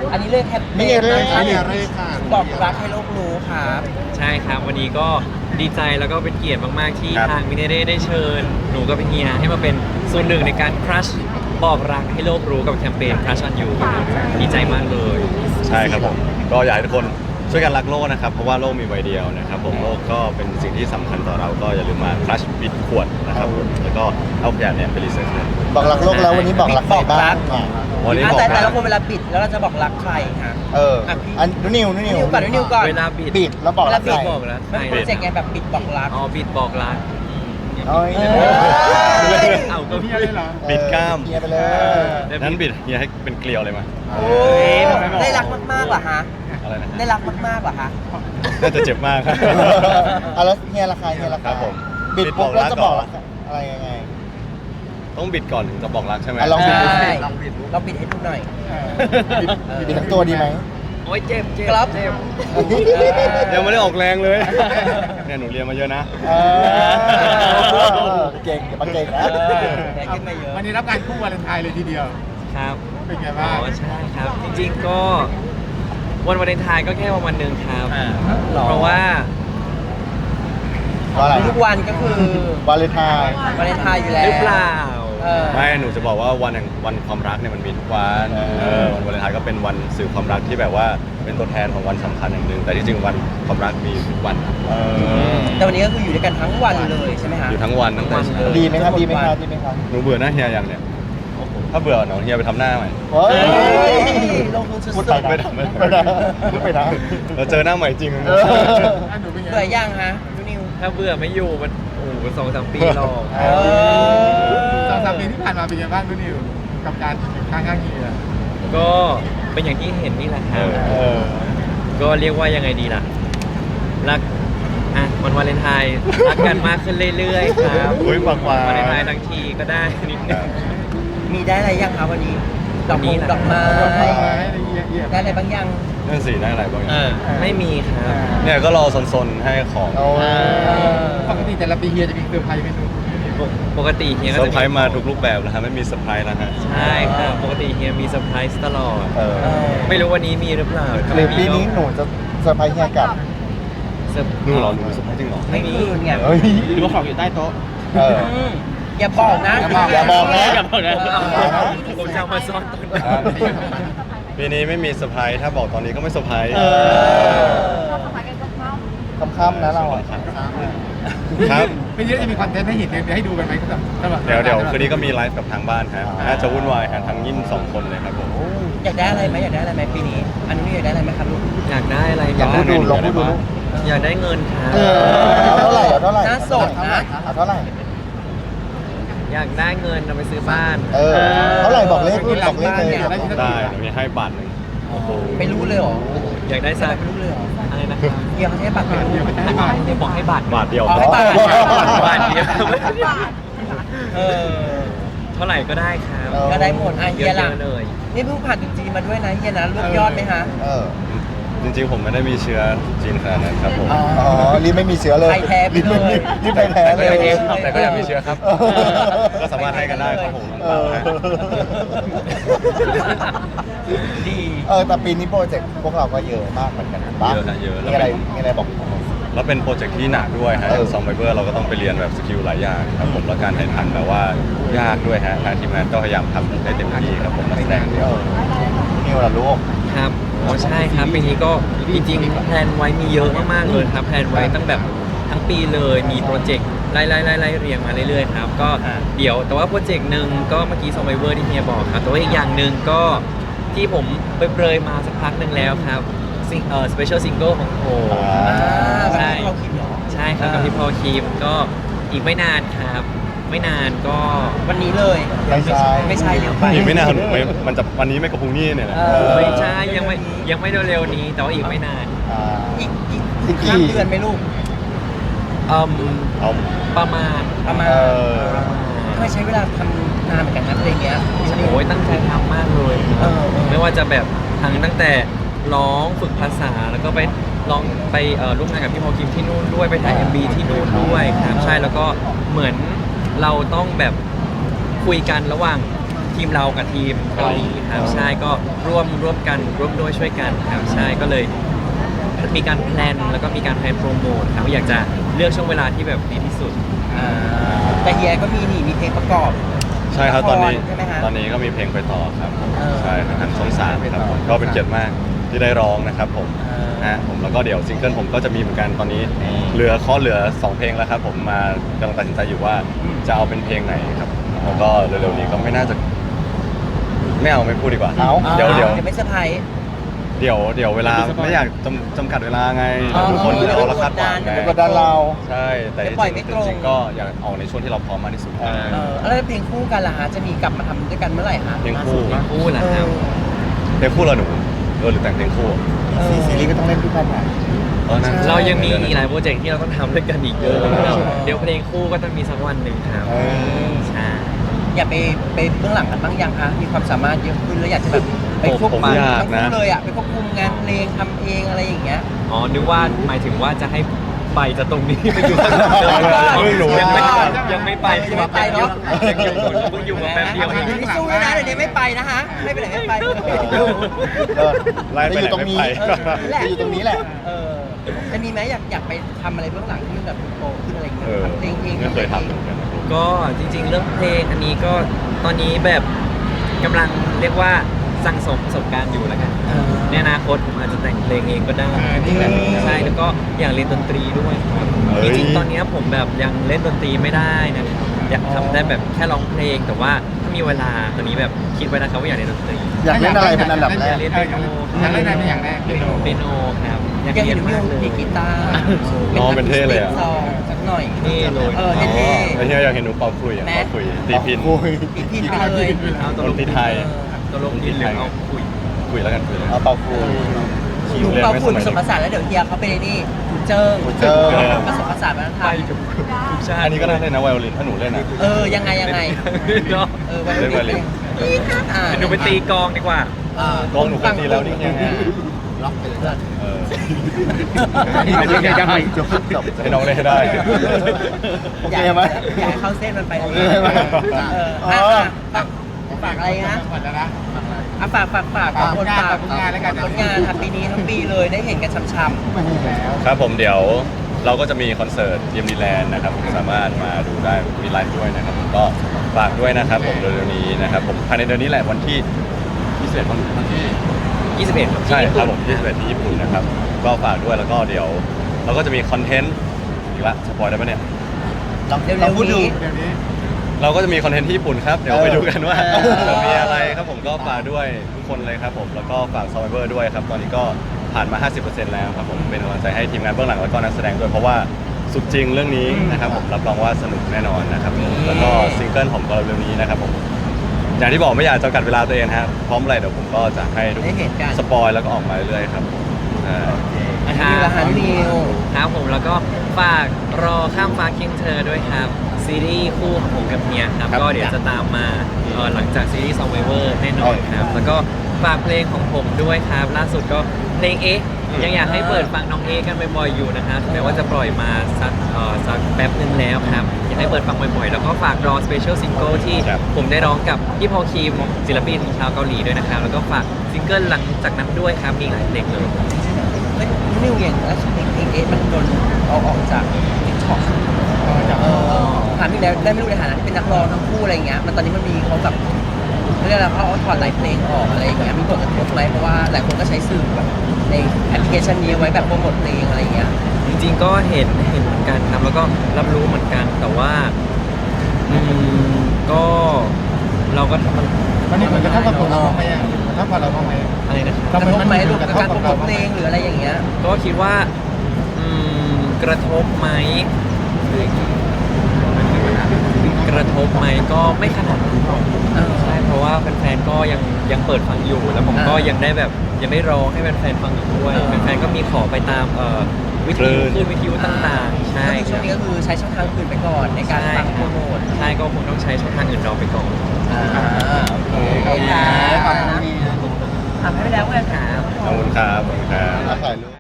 อันนี้เลยแคปนี่ไงเลยครับนี่ไงเลยค่ะบอกรักให้โลกรู้ครับใช่ครับวันนี้ก็ดีใจแล้วก็เป็นเกียรติมากๆที่ครับทางมิเนเร่ได้เชิญหนูกับพี่เฮียให้มาเป็นส่วนหนึ่งในการครัชบอกรักให้โลกรู้กับแคมเปญ Crush on You ครับดีใจมากเลยใช่ครับผมก็อยากให้ทุกคนช่วยกันรักโลกนะครับเพราะว่าโลกมีใบเดียวนะครับผมโลกก็เป็นสิ่งที่สำคัญต่อเราก็อย่าลืมมาคลัชปิดขวดนะครับผมแล้วก็เอาขยะเนี่ยไปรีไซเคิลบอกรักโลกแล้ววันนี้บอกรักใครบ้างอ่ะวันนี้อ่ะบอกแต่รัละกคนเวลาปิดแล้วเราจะบอกรักใครฮะเอออ่ะพี่อันนิวนิวก่อนนิวก่อนเวลาบิดบิดแล้วบอกรักใครบอกรักมันเป็นโปรเจกต์ไงแบบปิดบอกรักอ๋อบิดบอกรักโอ้ยเอ้ยเอาก็พี่บิดกล้ามเคลียร์ไปเลยนั้นบิดเฮียให้เป็นเกลียวเลยมาโอ้ยได้รักมากๆเหรอฮะอะไรนะได้รักมากๆเหรอฮะน่าจะเจ็บมากครับอ่ะแล้วเฮียราคาเฮียราครัคาบผมบิดปุ๊บบิดบอกรัแล้วกจะบอกก่อนรักอะไรยังไงต้องบิดก่อนถึงจะบอกรักใช่ไหมอ่ะลองบิดดูสิใช่ลองบิดดูเราปิดให้ดูหน่อยบิดทั้งตัวดีไหมโอ้ยเจ็บเจ็บครับเจ็บยังไม่ได้ออกแรงเลยเนี่ยหนูเรียนมาเยอะนะเออเก่งอย่ามาเก่งนะได้ขึ้นมาเยอะวันนี้รับการคู่วาเลนไทน์เลยทีเดียวครับเป็นไงอ๋บ้างอใช่ครับ จริงๆก็วันวาเลนไทน์ก็แค่วันหนึ่งครับหรอเพราะว่าเพราะอะไรทุกวันก็คือวาเลนไทน์วาเลนไทน์อยู่แล้วหรือเปล่าเออไม่หนูจะบอกว่าวันแห่งวันความรักเนี่ยมันมีทุกวันวันวาเลนไทน์ก็เป็นวันสื่อความรักที่แบบว่าเป็นตัวแทนของวันสำคัญอย่างหนึ่งแต่ที่จริงวันความรักมีทุกวันเออแต่วันนี้ก็คืออยู่ด้วยกันทั้งวันเลยใช่ไหมฮะอยู่ทั้งวันตั้งแต่เช้าดีไหมครับดีไหมครับดีไหมครับหนูเบื่อหน้าเฮียยังเนี่ยถ้าเบื่อเนาะเฮียไปทำหน้าใหม่เฮ้ยลงทุนสุดพูดๆไปนะไม่ได้พูดไปนะเราเจอหน้าใหม่จริงเอออันหนูเป็นไงเบื่อยังฮะดูนิวถ้าเบื่อไม่อยู่มันโอ้โห2-3 ปีหรอกเอ 2-3 ปีที่ผ่านมาเป็นไงบ้างดูนิวกับการอยู่ข้างๆเฮียก็เป็นอย่างที่เห็นนี่แหละครับเออก็เรียกว่ายังไงดีล่ะ รักอ่ะวันวาเลนไทน์รักกันมากขึ้นเรื่อยๆครับอุ้ยปากหวานวาเลนไทน์ทั้งทีก็ได้นิดนึงมีได้อะไรยังคะวันนี้ ดอกวันนี้มงนะดอกไม้ ได้อะไรบางยังนั่นสิได้อะไรบ้างเนี่ยไม่มีครับเนี่ยก็รอซนๆให้ของโอ้ยปกติแต่ละปีเฮียจะมีเซอร์ไพรส์ไหมหนูปกติเฮียเซก็อจะร์ไพรส์มาทุกรูปแบบแล้วฮะไม่มีเซอร์ไพรส์แล้วฮะใช่ครับปกติเฮียมีเซอร์ไพรส์ตลอดเออไม่รู้วันนี้มีหรือเปล่าถ้าหรือไม่ปีมีนี้หนูจะเซอร์ไพรส์เฮียกลับเซอร์ดูเหรอหนูมีเซอร์ไพรส์จริงเหรอไม่มีไงเฮ้ยหรือว่าของอยู่ใต้โต๊ะเอออืมอย่าบอกนะอย่าบอกนะอย่าบอกนะผมจะเอามาซ่อนตอนไหนปีนี้ไม่มีเซอร์ไพรส์ถ้าบอกตอนนี้ก็ไม่เซอร์ไพรส์เออค่ำๆนะเราอะครับไม่เยอะจะมีคอนเทนต์ให้เห็นเดี๋ยวให้ดูกันไหมสำหรับเดี๋ยวคืนนี้ก็มีไลฟ์กับทางบ้านฮะน่าจะวุ่นวายฮะทั้งยิ่ง2 คนเลยครับผมอยากได้อะไรไหมอยากได้อะไรไหมปีนี้ อันนี้อยากได้อะไรไหมครับลูกอยากได้อะไรลองบ้าพูงดดูลองพูดดูอยากได้เงินครับเออเอาเท่าไหร่เอาเท่าไหร่น่าสดนะเอาเท่าไหร่อยากได้เงินเอาไปซื้อบ้านเออเท่าไหร่บอกเลขพูดบอกเลขเลยได้เดี๋ยวมีให้บาทหนึ่งไม่รู้เลยเหรออยากได้สักไม่รู้เลยเหรออะไรนะครับเฮียเขาใช้บัตรไม่รู้เดี๋ยวไม่ได้บาทเดี๋ยวบอกให้บาทบาทเดียวอ๋อให้บาทบาทเดียวเออเท่าไหร่ก็ได้ครับก็ได้หมดอ่ะเฮียล่ะเยอะๆเลยนี่เพิ่งผ่านจุดจีนมาด้วยนะเฮียนะรวบยอดไหมฮะเออจริงๆผมไม่ได้มีเชื้อจีนขนาดนั้นครับผมอ๋ออ๋อรีบไม่มีเชื้อเลยไทยแท้ไปเลยรีบไทยแท้เลยแต่ก็อยากมีเชื้อครับเออก็สามารถให้กันได้ครับผมเออดีแต่ปีนี้โปรเจกต์พวกเราก็เยอะมากเหมือนกันปะเยอะนะเยอะมีอะไรมีอะไรบอกแล้วเป็นโปรเจกต์ที่หนักด้วยฮะเออซอมไบเบอร์เราก็ต้องไปเรียนแบบสกิลหลายอย่างครับผมแล้วการถ่ายทำแบบว่ายากด้วยฮะทางทีมงานก็พยายามทำให้เต็มที่ครับผมนักแสดงเออนิวล่ะลูกครับอ๋อใช่ครับปีนี้ก็จริงๆแพลนไว้มีเยอะมากๆเลยครับแพลนไว้ตั้งแบบทั้งปีเลยมีโปรเจกต์ไล่เรียงมาเรื่อยๆครับก็เดี๋ยวแต่ว่าโปรเจกต์หนึ่งก็เมื่อกี้ซอมไบเวอร์ที่เฮียบอกครับแต่ว่าอีกอย่างหนึ่งก็ที่ผมเปรยๆมาสักพักหนึ่งแล้วครับสเปเชียลซิงเกิลของผมอ่าใช่เราคิดเหรอใช่ครับกับพี่พอลคีมก็อีกไม่นานครับ ไม่นานก็วันนี้เลยไม่ใช่ไม่ใช่เร็วไปอีกไม่นานมันจะวันนี้ไม่กับพรุ่งนี้เนี่ยนะเออไม่ใช่ยังไม่เร็วๆนี้ แต่ว่าอีกไม่นานอ่าอีกอีกกี่ข้ามเดือนไหมลูกอืมเอาประมาณประมาณเออทำไมใช้เวลาทำนานเหมือนกันนะเพลงเนี้ยโอ้ยตั้งใจทำมากเลยครับเออไม่ว่าจะแบบตั้งแต่ร้องฝึกภาษาแล้วก็ไปร้องไปร่วมงานกับพี่พอลคิมที่นู่นด้วยไปถ่าย MV ที่นู่นด้วยครับใช่แล้วก็เหมือนเราต้องแบบคุยกันระหว่างทีมเรากับทีมเกาหลีครับใช่ก็ร่วมกันร่วมด้วยช่วยกันครับใช่ก็เลยมีการแพลนแล้วก็มีการแพลนโปรโมทครับอยากจะเลือกช่วงเวลาที่แบบดีที่สุดแต่เฮียก็มีเพลงประกอบใช่ครับตอนนี้ละครใช่ไหมฮะตอนนี้ก็มีเพลงไปต่อครับผม ใช่ครับทางช่องสามไปคต่รับอผมก็เป็นเกียรติมากที่ได้ร้องนะครับผมอ่าผมแล้วก็เดี๋ยวซิงเกิลผมก็จะมีเหมือนกันตอนนี้เหลือ2 เพลงแล้วครับผมมากำลังตัดสินใจอยู่ว่าจะเอาเป็นเพลงไหนครับแล้วก็เร็วๆนี้ก็ไม่น่าจะไม่พูดดีกว่าเอาเดี๋ยวไม่เซอร์ไพรส์เดี๋ยวเวลาไม่อยากจำกัดเวลาไงอ๋อทุกคนเราละคาดหวังไงเดี๋ยวกดดันเราใช่แต่เดี๋ยวปล่อยไม่ตรงจริงๆก็อยากออกในช่วงที่เราพร้อมมากที่สุดแล้วเพลงคู่กันล่ะฮะจะมีกลับมาทำด้วยกันเมื่อไหร่ฮะเพลงคู่คู่แหละครับเพลงคู่เราหนูหรือแต่งเพลงคู่ซีรีส์ก็ต้องเล่นด้วยกันหน่อยนั่นเรายังมีอีกหลายโปรเจกต์ที่เราต้องทำด้วยกันอีกเยอะครับเดี๋ยวเพลงคู่ก็ต้องมีสักวันหนึ่งครับใช่อยากไปเบื้องหลังกันบ้างยังคะมีความสามารถเยอะขึ้นแล้วอยากจะแบบไปควบคุมผมอยากทั้งนะคู่เลยอ่ะไปควบคุมงานเพลงทำเองอะไรอย่างเงี้ยอ๋อนึกว่าหมายถึงว่าจะให้ไปจากตรงนี้ไปอยู่ข้างหลังไม่รู้ยังไม่อ๋อยังไม่ไปยังไม่ไปเนอะยังอยู่เพิ่งอยู่มาแป๊บเดียวเองไม่สู้นะเดี๋ยวนี้ไม่ไปนะฮะไม่ไปไหนไม่ไปไล่ไปจะอไหนยู่ตรงไม่นี้ไปจะอยู่ตรงนี้แหละจะมีไหมอยากไปทำอะไรเบื้องหลังที่มันแบบโตขึ้นอะไรอย่างเงี้ยเออทำเพลงเองไม่เคยทำเหมือนกันนะก็จริงๆเรื่องเพลงอันนี้ก็ตอนนี้แบบกำลังเรียกว่าสั่งสมประสบการณ์อยู่แล้วกันในอนาคตผมอาจจะแต่งเพลงเองก็ได้นี่แหละใช่แล้วก็อยากเรียนดนตรีด้วยครับเฮ้จยริงๆตอนนี้ผมแบบยังเล่นดนตรีไม่ได้นะครับอยากทำได้แบบแค่ร้องเพลง แต่ว่าถ้ามีเวลาตอนนี้แบบคิดไว้นะครับว่าอยากเรียนดนตรีอยากเล่นอะไรเป็นอันดับแรกเรียนเปียโนอยากเล่นอะไรเป็นอย่างแรกเปียโนครับอยากยังเรียเห็นนมิมากวเลยดีกีตาร์น้องเป็นเท่เลยอะซองสักหน่อยนี่เลยเท่ไอ้เฮียอยากเห็นหนูเป่าคุยอ่ะแม่เป่าคุยตีพินโอ้ยๆอีกพินไปเลยเอาตดลนกตรีไทยตลกนิดหรือเอาคุยคุยแล้วกันคุยแล้วกัเอานเป่าคุยหนูเป่าฝุ่นผสมผสานแล้วเดี๋ยวเฮียเขาไปในนี่ถูเจิ้งถูเจิ้งผสมผสานวัฒนธรไปรมกับทุกชาติอันนี้ก็น่าเล่นนะไวโอลินถ้าหนูเล่นอ่ะยังไงเนาะวันเล่นไวโอลินหนูไปตีกลองดีกว่ากองหนูเคยตีแล้วนี่ไงล็อกไปเลยเออยังไงจบให้น้องเล่นให้ได้โอเคไหมอยากให้เข้าเส้นมันไปโอเคไหมฝากอะไรนะฝากแล้วนะฝากคนฝากผลงานแล้วกันผลงานครับปีนี้ทั้งปีเลยได้เห็นกันช้ำไม่แล้วครับผมเดี๋ยวเราก็จะมีคอนเสิร์ตเยมดีแลนด์นะครับสามารถมาดูได้มีไลฟ์ด้วยนะครับผมก็ฝากด้วยนะครับผมเร็วๆนี้นะครับผมภายในเดือนนี้แหละวันที่21วันที่ 21ครับใช่ครับผม21ที่ญี่ปุ่นนะครับก็ฝากด้วยแล้วก็เดี๋ยวเราก็จะมีคอนเทนต์อีกละสปอยได้ปะเนี่ยๆเร็วๆนี้เดี๋ยวนี้เราก็จะมีคอนเทนต์ที่ญี่ปุ่นครับเดี๋ยวไปดูกันว่าเออจะมีอะไรครับผมก็ฝากด้วยทุกคนเลยครับผมแล้วก็ฝาก Survivor ด้วยครับตอนนี้ก็ผ่านมา 50% แล้วครับผมเป็นกำลังใจให้ทีมงานเบื้องหลังแล้วก็นักแสดงด้วยเพราะว่าสุดจริงเรื่องนี้นะครับผมรับรองว่าสนุกแน่นอนนะครับแล้วก็ซิงเกิลผมก็เร็วๆนี้นะครับผมอย่างที่บอกไม่อยากจำกัดเวลาตัวเองนะครับพร้อมอะไรเดี๋ยวผมก็จะให้ทุกได้เห็นกันสปอยแล้วก็ออกมาเรื่อยๆครับอ่านิวละฮะนิวครับผมแล้วก็ฝากรอข้ามฟ้าเคียงเธอด้วยครับซีรีส์คู่ของผมกับเมียครับครับก็เดี๋ยวจะตามมาหลังจากซีรีส์ Survivor แน่นอนครับแล้วก็ฝากเพลงของผมด้วยครับล่าสุดก็เพลงยังอยากให้เปิดฟังน้องกันบ่อยๆอยู่นะครับถึงแม้ว่าจะปล่อยมาสักแป๊บนึงแล้วครับอยากให้เปิดฟังบ่อยๆแล้วก็ฝากรอสเปเชียลซิงเกิลที่ครับผมได้ร้องกับพี่พอลคีมศิลปินชาวเกาหลีด้วยนะครับแล้วก็ฝากซิงเกิลหลังจากนั้นด้วยครับมีหลายเพลงเลยนิวอย่างแล้วเพลงมันโดนเอาออกจากติ๊กต็อกถามอีกแล้วได้ไม่รู้ในฐานะที่เป็นนักร้องทั้งคู่อะไรอย่างเงี้ยมันตอนนี้มันมีเขาแบบเรียกอะไรเขาถอดหลายเพลงออกอะไรอย่างเงี้ยมีผลกระทบไหมเพราะว่าหลายคนก็ใช้สื่อแบบในแอปพลิเคชันนี้ไว้แบบโปรโมทเพลงอะไรอย่างเงี้ยจริงๆก็เห็นเหมือนกันครับแล้วก็รับรู้เหมือนกันแต่ว่าก็เราก็ทำมันวันนี้มันจะเท่ากับผมเราบ้างไหมเท่ากับเราบ้างไหมอะไรนะครับกระทบไหมรวมกับการโปรโมทเพลงหรืออะไรอย่างเงี้ยก็คิดว่ากระทบไหมกระทบไหมก็ไม่ขนาดนั้นใช่เพราะว่าแฟนๆก็ยังเปิดฟังอยู่ แล้วผมก็ยังได้แบบยังไม่ร้องให้แฟนๆฟังอีกด้วยแฟนๆก็มีขอไปตามวิทยุคลื่นวิทยุต่างๆใช่ก็คือช่วงนี้ก็คือใช้ช่องทางอื่นไปก่อนในการฟังโปรโมทใช่ก็คงต้องใช้ช่องทางอื่นรอไปก่อนโอเคค่ะขอบคุณทำให้ไปแล้วกันค่ะขอบคุณครับขอบคุณครับถ่ายรูป